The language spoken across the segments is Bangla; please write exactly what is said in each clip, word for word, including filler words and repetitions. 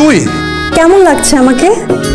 তুই কেমন লাগছে আমাকে?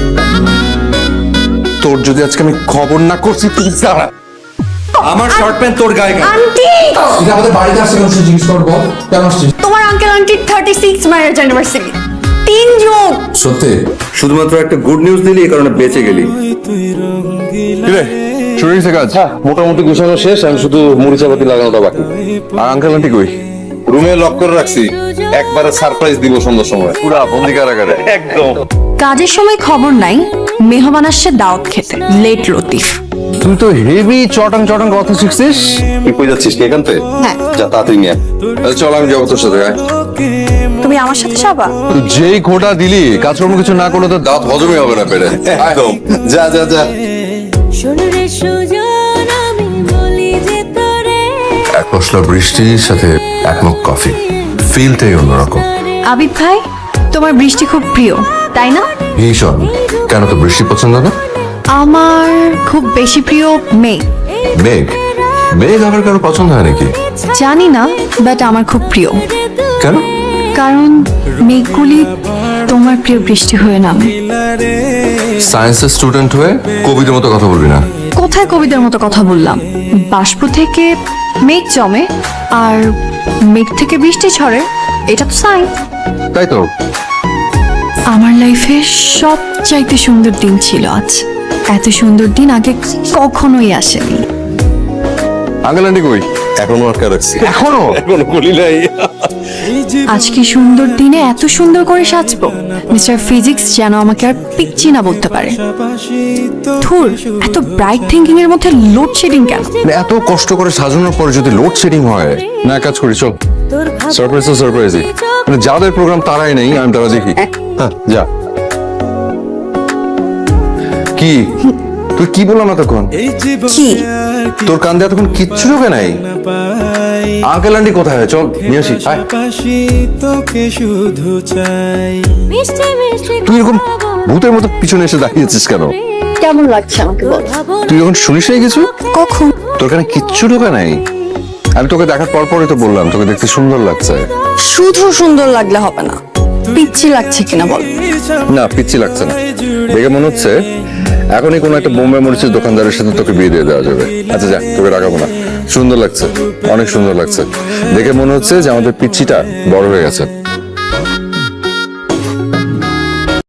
তোর যদি আজকে আমি খবর না করছি তুই দাঁড়া। আমার শর্ট প্যান্ট তোর গায়ে কেন? আন্টি, এটা আমাদের বাড়িতে আসছে কেন সে জিজ্ঞেস করবো কেন আসছিস? তোমার আঙ্কেল আন্টির থার্টি সিক্স ম্যারেজ অ্যানিভার্সারি। তিন যোগ। সত্যি? শুধুমাত্র একটা গুড নিউজ দিলি এই কারণে বেঁচে গেলি। কিরে শুরু হয়েছে কাজ? মোটামুটি গুছানো শেষ, আমি শুধু মরিচাপাতি লাগানোটা বাকি। আর আঙ্কেল আন্টি কই? রুমে লক করে রাখছি, একবারে সারপ্রাইজ দিব সন্ধ্যার সময়। পুরা বন্দি কারাগারে একদম। কাজের সময় খবর নাই, মেহমান আসছে দাওয়াত খেতে। লেট লতিফ। তুই তো হেভি চটাং চটাং কথা শিখছিস। তুই কই যাচ্ছিস কি এখান থেকে? হ্যাঁ। যা তাড়াতাড়ি নিয়ে আয়। তাহলে চল আমি যাবো তোর সাথে। আয়। তুমি আমার সাথে যাবা? তুই যেই খোটা দিলি কাজকর্ম কিছু না করলে তো দাঁত হজমই হবে না পেরে। একদম। যা যা যা। শোনরে সুজন আমি বলি যে তোরে এক পশলা বৃষ্টির সাথে এক মগ কফি, ফিলটাই অন্যরকম। আবিদ ভাই, তোমার বৃষ্টি খুব প্রিয় তাই না? ভীষণ। কেন তো বৃষ্টি পছন্দ না? আমার খুব বেশি প্রিয় মেঘ। মেঘ? মেঘ আবার কারো পছন্দ হয় নাকি? জানি না, বাট আমার খুব প্রিয়। কেন? কারণ মেঘগুলি তোমার প্রিয় বৃষ্টি হয়ে নামে। সায়েন্সের স্টুডেন্ট হয়ে কবিদের মতো কথা বলবি না। কোথায় কবিদের মতো কথা বললাম? বাষ্প থেকে মেঘ জমে আর মেঘ থেকে বৃষ্টি ঝরে, এটা তো সায়েন্স। তাই তো। আমার লাইফে সবচাইতে সুন্দর দিন ছিল আজ। এত সুন্দর দিন আগে কখনোই আসেনি। আঙ্কেল আন্টি কই? এখনো আটকা রাখছি। এখনো? এখনো বলি নাই। আজকে সুন্দর দিনে এত সুন্দর করে সাজবো, মিস্টার ফিজিক্স যেন আমাকে আর পিচ্ছি না বলতে পারে। ধুর, এত ব্রাইট থিঙ্কিং এর মধ্যে লোডশেডিং কেন? মানে এত কষ্ট করে সাজানোর পরে যদি লোড শেডিং হয় না, এক কাজ করি চল। তোর সারপ্রাইজ তো সারপ্রাইজই। মানে যাদের প্রোগ্রাম তারাই নেই, আমি তারা দেখি। হ্যাঁ যা। কি তুই কি বললাম এতক্ষণ? কি? তোর কান্দে এতক্ষণ কিচ্ছু ঢোকে নাই? আঙ্কেল আন্টি কোথায়? চল নিয়ে আসি। আয়। তোকে শুধু চাই। মিষ্টি মিষ্টি তুই এরকম ভূতের মতো পিছনে এসে দাঁড়িয়েছিস কেন? কেমন লাগছে আমাকে বল? তুই যখন শুনিস নাই কিছু? কখন? তোর কানে কিচ্ছু ঢোকে নাই? আমি তোকে দেখার পর পরে তো বললাম তোকে দেখতে সুন্দর লাগছে। শুধু সুন্দর লাগলে হবে না, পিচ্ছি লাগছে কিনা বল? না পিচ্ছি লাগছে না, দেখে মনে হচ্ছে এখনই কোনো একটা বোম্বে মরিচের দোকানদারের সাথে তোকে বিয়ে দিয়ে দেওয়া যাবে। আচ্ছা যা, তোকে রাখাবো না। সুন্দর লাগছে, অনেক সুন্দর লাগছে। দেখে মনে হচ্ছে যে আমাদের পিচ্ছিটা বড় হয়ে গেছে।